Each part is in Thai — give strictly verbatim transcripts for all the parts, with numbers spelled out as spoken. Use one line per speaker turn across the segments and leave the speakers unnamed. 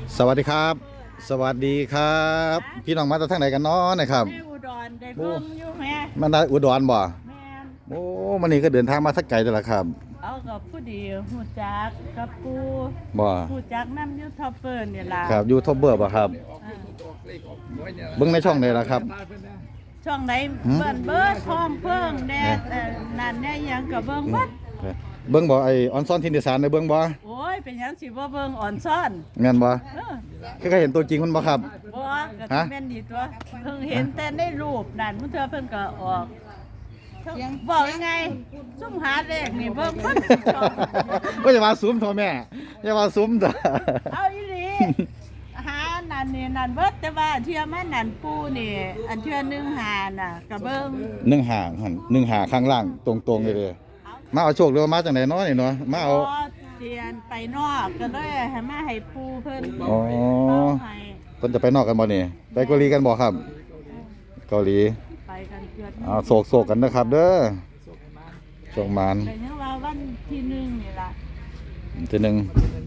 สวัสดีครับ สวัสดีครับ พี่น้องมาจากทางไหนกันเนาะนะครับ
แม่อุดรได้เบิ่งอยู่แม่
มันได้อุดรบ่
แม่น
โอ้มันนี่ก็เดินทางมาสักไกลแต่ละครับ
เอากับผู้ดีฮู้จักกับปู
บ่
ฮู้จักนำยูทูบเบอร์นี่ล่ะ
ครับยูทูบเบอร์บ่ครับ
อ่า
เบิ่งในช่องไหนล่ะครับ
ช่องไหน
หืม
เบิ่นเบิดท้องเพิ่งแน่เอ่อนั่นแน่หยังก็เบิ่งเบิด
เบิ่งบ่ไอออนซอนทินอีสานได้เบิ่งบ่
โอ้ยเป็นหยังสิบ่เบิ่งอ่อนซ่อน
แม่นบ่
เออ
เคยเห็นตัวจริงมันบ่ครับ
บ่ก็
ฮะ
สิแม่นดีตัวเพิ่งเห็นแต่ในรูปนั่นมื้อเทื่อเพิ่นก็ออกบอกยังไงซุ่มหาเลขนี่เบิ่งเพิ่นช่อง
ว่าอย่ามาซูมโทแม่อย่ามาซูมจ้ะ
เอาอีหลีหานั่นนี่นั่นเบิดแต่ว่าเทื่อมานั่นปูนี่ อันเทื่อหนึงหาน่ะกะเบิ่ง
หนึ่งหาหั่นหนึ่งหาข้างล่างตรงๆเลยเด้อมาเอาโชคหรือว่ามาจากไหนเนาะนี่เนาะมาเอา
พอเรียนไปนอกก็เลยให้มาให้ปูเพิ่น
อ๋อ
เอาให้
เพิ่นจะไปนอกกันบ่นี่ไปเกาหลีกันบ่ครับ เกาหลี
ไปกันเกือบ
เอาโศกโศกกันนะครับเด้อโชคมาน
แต่ยังว่าวันที่หนึ่งนี่ล่ะ
ทีหนึ่ง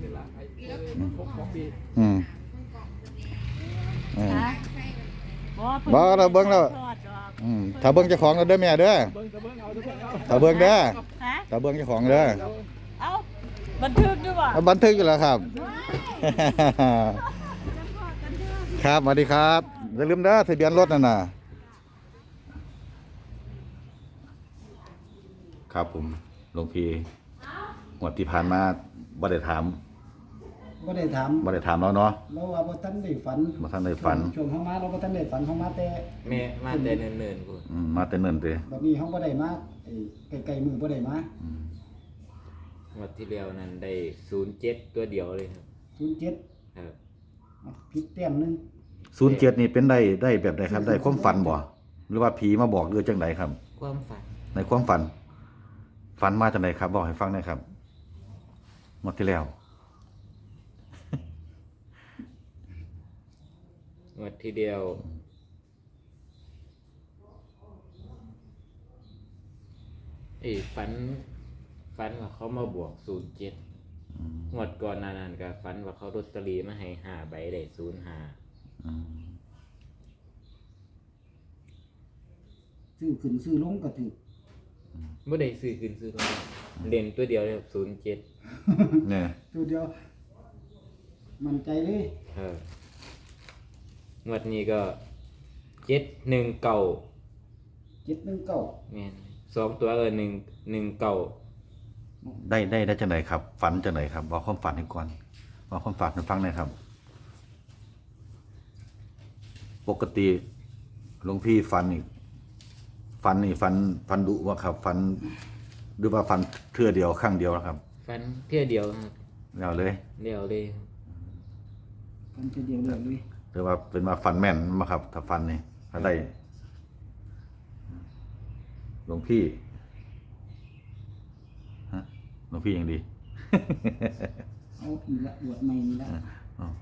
อืมอืม
ฮะบ่พิ่น
บ่เราเบิ่งแล้ว
ทอดดอก
อืมถ้าเบิ่งเจ้าของก็เด้อแม่เด้อถ้าเบิ่งเด้อ
ฮะ
ถ้าเบิ่งเจ้าของเด้อ
เอ้าบันทึกด้วยบ่
เอาบันทึกอยู่แล้วครับ ครับสวัสดีครับอย่าลืมเด้อทะเบียนรถนั่นน่ะครับผมหลวงพี่งวดที่ผ่านมาบ่ได้ถาม
บ่ได้ถาม
บ่ได้ถามแล้วเนาะ
เราว่าบ่ทันได้ฝัน
บ่ทันได้ฝัน
ช่วงเฮามาเราบ่ทันได้ฝันเฮามาแต่
แม่มาแต่เนิ่นๆกู
อืมมาแต่เนิ่นเด้
บัดนี้เฮาบ่ได้มาไอ้ไกลๆมือบ่ได้มา
งวดที่แล้วนั้นได้ศูนย์เจ็ดตัวเดียวเลยครับ
ศูนย์เจ็ด
ครับ
อ่ะผิดแต้มหนึง
ศูนย์เจ็ดนี่เป็นได้ได้แบบใดครับได้ความฝันบ่หรือว่าผีมาบอกหรือจังไดครับ
ความฝัน
ในความฝัน ฝันมาจากไหนครับ บอกให้ฟังหน่อยครับหมดที่แล้ว
งวดที่เดียวไอ้ฝันฝันว่าเขามาบวกศูนย์เจ็ดงวดก่อนหนานั้นก็ฝันว่าเขาลอตเตอรี่มาให้ห้าใบได้ศูนย์ห้า
ซื้อขึ้นซื้อลงก็ถูก
ไม่ได้ซื้อขึ้นซื้อลงเด่นตัวเดียวเลยศูนย์เจ็ด
เนี่ย
ตัวเดียวมั่นใจเลย
ครับงวดนี้ก็เจ็ดหนึ่งเก่า
เจ็ดหนึ่งเก้า
แม่นสองตัวเออหนึ่งหนึ่งเก่า
ได้ได้ได้จากไหนครับ ฝันจากไหนครับบอกความฝันให้ก่อนบอกความฝันให้ฟังหน่อยครับ ปกติหลวงพี่ฝันนี่ฝันนี่ฝันฝันดุว่าครับฝันหรือว่าฝันเทื่อเดียวครั้งเดียวนะครับ
ฟันเที่ยวเดียวครับ
แล้วเลย
เดียวเลย
กันทีเดียวเลยเลย
หรือว่าเป็นมาฝันแม่นมาครับ ถ้าฝันนี่ถ้าได้หลวงพี่ฮะหลวงพี่ยังดี
เอาอีกละบวชใหม่นี่ละ
อ๋อ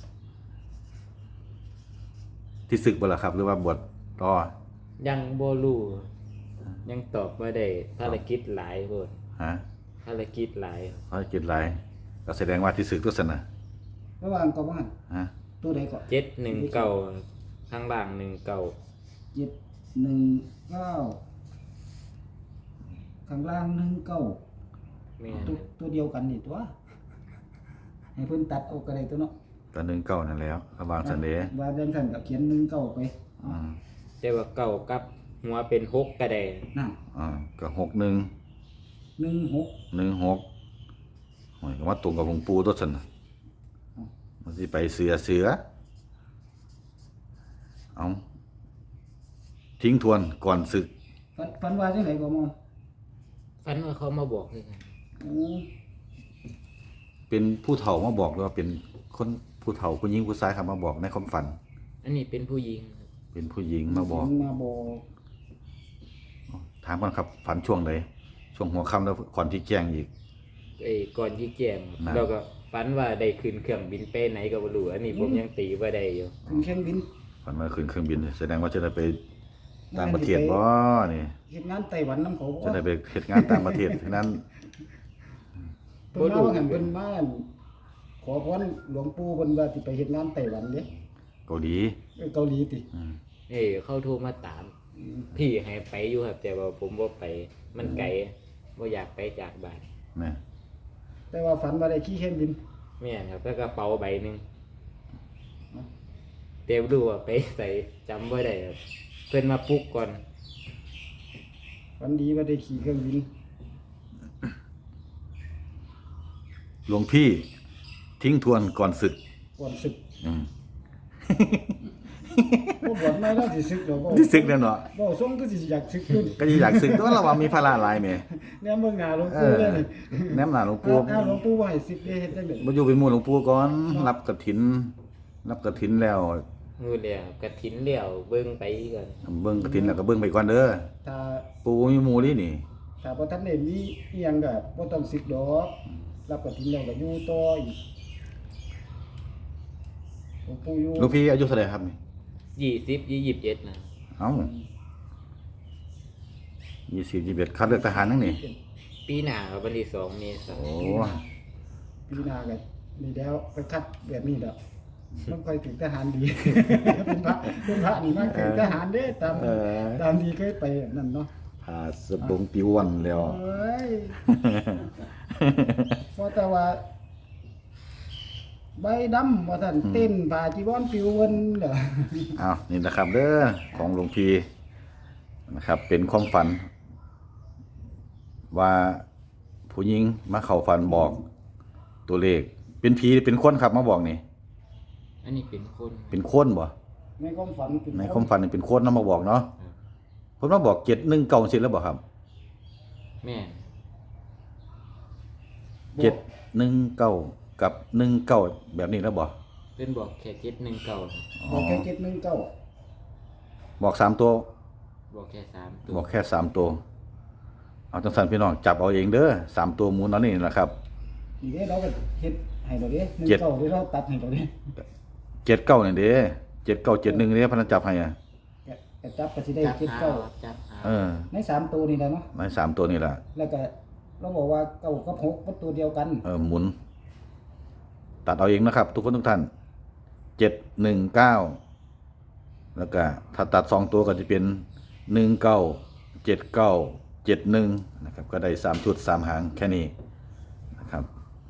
ที่ศึกบ่ล่ะครับ หรือว่าบวชต่อ
ยังโบลูยังตอบไม่ได้ภารกิจหลายโพด
ฮะ
ภารกิจหลาย
เขาจิตไรก็แสดงว่าที่ศึกตัวสนะ
ระหว่างก็บ่หัน
ฮะ
ตัวใดก็
เจ็ดหนึ่งเก่าข้างล่างหนึ่งเก่า
เจ็ดหนึ่งเก้าข้างล่างหนึ่งเก้า
แม่น
ตัวตัวเดียวกันนี่ตัวให้เพิ่นตัดเอาก็ได้ตัวเนาะ
ตอนหนึ่งเก้านั่นแล้วระบางสันเดย์
ว่าจังซั่นก็เขียนหนึ่งเก้าไป
อืม
แต่ว่าเก่ากับหัวเป็นหกกระได
นั่น
อ่าก็หกหนึ่ง
หนึ่งหก
หนึ่งหกโอ้ยก็มาตรงกับหลวงปู่ตัวสนะมันสิไปเสือเสือเอาทิ้งทวนก่อนศึก
ฝันฝันว่าจังไดก็มอง
ฟันว่าเขามาบอกเลยครับ
โอ้
เป็นผู้เฒ่ามาบอกหรือว่าเป็นคนผู้เฒ่าผู้หญิงผู้ชายครับมาบอกในความฝัน
อันนี้เป็นผู้หญิงครับ
เป็นผู้หญิงมาบอก
มาบอก
ถามก่อนครับ ฝันช่วงไหนช่วงหัวค่ำแล้วก่อนที่แจ้งอีก
ไอ้ก่อนที่แจ้ง
นะ
เราก็ฝันว่าได้ขึ้นเครื่องบินไปไหนก็บ่รู้อันนี้ผมยังตีว่าได้อยู่
ขึ้นเครื่องบิน
ฝันว่าขึ้นเครื่องบินแสดงว่าจะได้ไปต่างประเทศบ่นี่
เฮ็ดงานไต้หวันนำเขา
จะได้ไปเฮ็ดงานต่างประเทศฉะนั้น
เพิ่นมาว่าหั่นเพิ่นมาขอพรหลวงปู่เพิ่นว่าสิไปเฮ็ดงานไต้หวันเด้
เกาหลี
เอ้ยเกาหลีติ
อืม
เอ้ยเขาโทรมาตาม พี่ให้ไปอยู่ครับแต่ว่าผมบ่ไปมันไกลบ่อยากไปจากบ้าน
นะ
แต่ว่าฝันว่าได้ขี่เครื่องบิน
แม่นครับแล้วกระเป๋าใบหนึงเต็มรู้ว่าไปใส่จำบ่ได้ครับเพิ่นมาปลุกก่อน
ฝันดีว่าได้ขี่เครื่องบิน
หลวงพี่ทิ้งทวนก่อนศึก
ก่อนศึก
อืม
บ่บวชไม่แล้วสิศึกดอกบ่
ที่ศึกแล้วเนาะ
บ่ทรงก็สิอยากศึกอยู่
ก็สิอยากศึกตัวเราว่ามีภาระหลายแหม
แนมเบิ่งหน้าหลวง
เอ
ปู่
อ
เลยนี่
แนมหน้าหลวงปู่
อ้าวหลวงปู่ว่าให้ศึกได้เฮ็ดจังได๋
บ่อยู่เป็นหมู่หลวงปู่ก่อนรับกฐิน รับกฐินแล้ว
งูแล้วกระถินแล้วเบิ่งไปก่อน
เบิ่งกฐินแล้วก็เบิ่งไปก่อนเด้อ
ถ้า
ปู่มีหมู่นี่นี่
ถ้าบ่ทันได้มีอีหยังก็บ่ต้องศึกดอกรับกฐินแล้วก็อยู่ต่ออีกหลวงปู่อยู่
หลวงพี่อายุเท่าไหร่ครับนี่
ยี่สิบยี่สิบเอ็ดนะ
เอ้ายี่สิบ ยี่สิบเอ็ดคัดเลือกทหารนั่นนี่
ปีหน้าครับวันที่สองเมษา
โอ้
ปีหน้าก็นี่แล้วไปคัดแบบนี้แล้วมันค่อยถึงทหารดี เป็นพระเป็นพระนี่มาถึงทหารเด้ตาม
เออ
ตามที่เคยไปนั่นเนาะ
พาสบงปิววันแล้ว
เอ้ยเพราะแต่ว่าใบดำว่าท่านเต้นผ่าจีวรปิวเวนเด้อ
อ้าวนี่นะครับเด้อของหลวงพี่นะครับ เป็นความฝัน ว่าผู้หญิงมาเข้าฝันบอกตัวเลข เป็นผีหรือเป็นคนครับมาบอกนี่
อันนี้เป็นคน
เป็นคนบ่
ในความฝันเป็น
ในความฝันนี่เป็นคนนำมาบอกเนาะเพิ่นมาบอกเจ็ดหนึ่งเก้าสิแล้วบ่ครับ
แม่น
เจ็ดหนึ่งเก้ากับหนึ่งเก้าแบบนี้แล้วบ่
เป็นบอกแค่เจ็ดหนึ่งเก้า
บอกแค่เจ็ดหนึ่งเก้า
บอกสามตัว
บอกแค่สามตัว
บอกแค่สามตัวเอาจังสันพี่น้องจับเอาเองเด้อสามตัวหมูนเอานี่แหละครับ
นี่เด้เราก็เฮ็ดให้เราเด้หนึ่ง
เจ็ด
เก้าเด้เราตัดให้เราเด้
เจ็ดเก้าเนี่ยเด้เจ็ดเก้าเจ็ดหนึ่งเนี่ยพนันจับให้อ่ะ
ก็ก็จับก็สิได้
จับ
เจ็ด
หา
เก้า
จับหา
เออ
ในสามตัวนี่แหละเนาะ
ในสามตัวนี่แหละ
แล้วก็เราบอกว่าเก้ากับหกเป็นตัวเดียวกัน
เออหมุน ตัดเอาเองนะครับ ทุกคนทุกท่านเจ็ดหนึ่งเก้าแล้วก็ถ้าตัดสองตัวก็จะเป็นหนึ่งเก้าเจ็ดเก้าเจ็ดหนึ่งนะครับ ก็ได้สามชุดสามหางแค่นี้นะครับ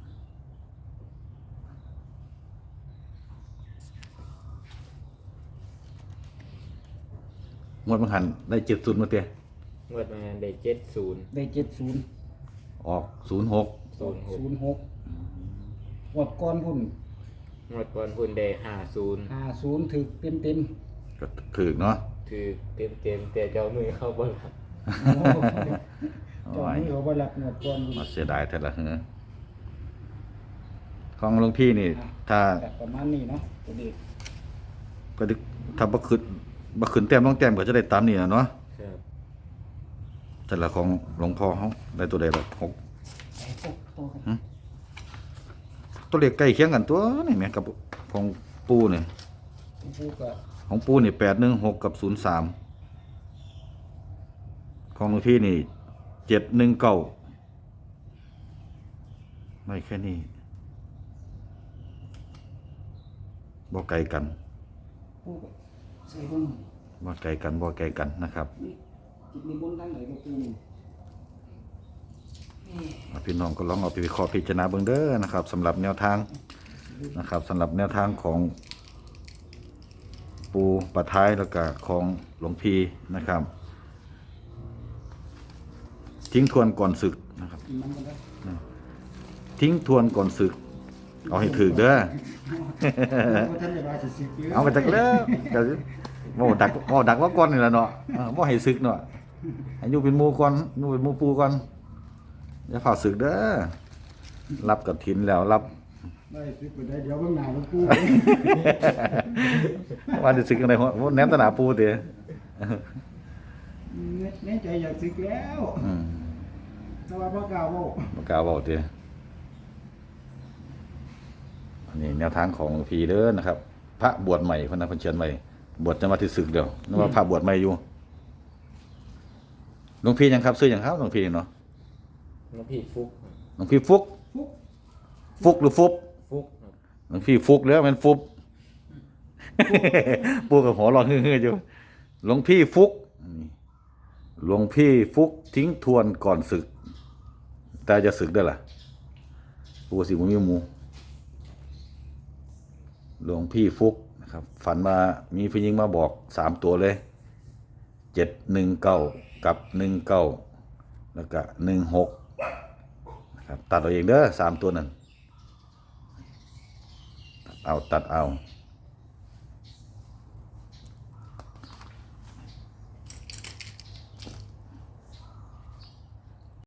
งวดบังหันได้เจ็ดศูนย์มาเตี้ย
งวดมาได้เจ็ดศูนย์
ได้เจ็ดศูนย์
ออกศูนย์หก
ศูนย์หก
ศูนย์หกงวดก่อนพุ่น
งวดก่อนพุ่นได้ห้าศูนย์
ห้าศูนย์ถึกเต็มเต็ม
ก็ถือเนาะ
คือเต็มเต็มๆแต่เจ้ามือเข้าบ่รับ
ๆโอ้โหเจอนี้เขาบ่รับงวดก่อนพุ่น
มาเสียดายแต่ละเหือของหลวงพี่นี่ ถ้า
แต่ประมาณนี้เนาะตัวเด็ก
ก็ดึกถ้าบ่ขึ้นบ่ขึ้นแต้มต้องแต้มก็จะได้ตามนี่น่ะเนาะ
ครับ
แต่ละของหลวงพ่อเฮาได้ตัวใดล่ะหก
ไอ้พวกโตกัน
ตัวเลขใกล้เคียงกันตัวนี่แหมกับของปู่นี่
ผู้ก็
ของปู่นี่แปดหนึ่งหกกับศูนย์สามของหลวงพี่นี่เจ็ดหนึ่งเก้าไม่แค่นี้บ่ไกลกัน
ผู้ก็ใส่เบิ่ง
บ่ไกลกันบ่ไกลกันนะครับ
นี่จิตนิมนต์ทางไหนก็ปูนี่
พี่น้องก็ลองเอาไปวิเคราะห์พิจารณาเบิ่งเด้อนะครับสำหรับแนวทางนะครับสำหรับแนวทางของปูปะท้ายแล้วก็ของหลวงพีนะครับ ทิ้งทวนก่อนศึกนะครับ
มันก็ได้
ทิ้งทวนก่อนศึก เอาให้ถึกเด้อ
บ่ทันได้ว่าสิสิเยอะ
เอาไปจักแล้วก็โม่ดักโม่ดักว่าก่อนนี่แหละเนาะเออบ่ให้ศึกเนาะให้อยู่เป็นหมู่ก่อนอยู่เป็นหมู่ปูก่อนอย่าฝ่าศึกเด้อรับกฐินแล้วรับ
ได้สิไปได้เดี๋ยวเบิ่งหน้าหลวงปู่
ว่าจะสึกอะไรหัวแหนมตะหนาปูเตะ
แน่ใจอยากสิกแล้ว
อืม
แต่ว่าบ่กล้าเว้า
ปากกาบอกเตะอันนี้แนวทางของหลวงพีเด้อนะครับ พระบวชใหม่คนนั้นคนเชียนใหม่บวชจะมาที่ศึกเดียวนึกว่าพระบวชใหม่อยู่หลวงพี่ยังครับซื้อยังครับหลวงพี่เนาะ
น้องพี่ฟุก
หลวงพี่ฟุก
ฟุก
ฟุกหรือฟุบ
ฟุกครับ
หลวงพี่ฟุกแล้วมันฟุบ ปูกับหัวเรองเฮ้อๆอยู่หลวงพี่ฟุกหลวงพี่ฟุกทิ้งทวนก่อนศึก แต่จะศึกได้ล่ะปูสิบุญมีหมูหลวงพี่ฟุกนะครับ ฝันมามีผู้หญิงมาบอกสามตัวเลยเจ็ดหนึ่งเก้ากับหนึ่งเก้าแล้วก็หนึ่งหกนะครับตัดเอาเองเด้อสามตัวนั้นตัดเอาตัดเอา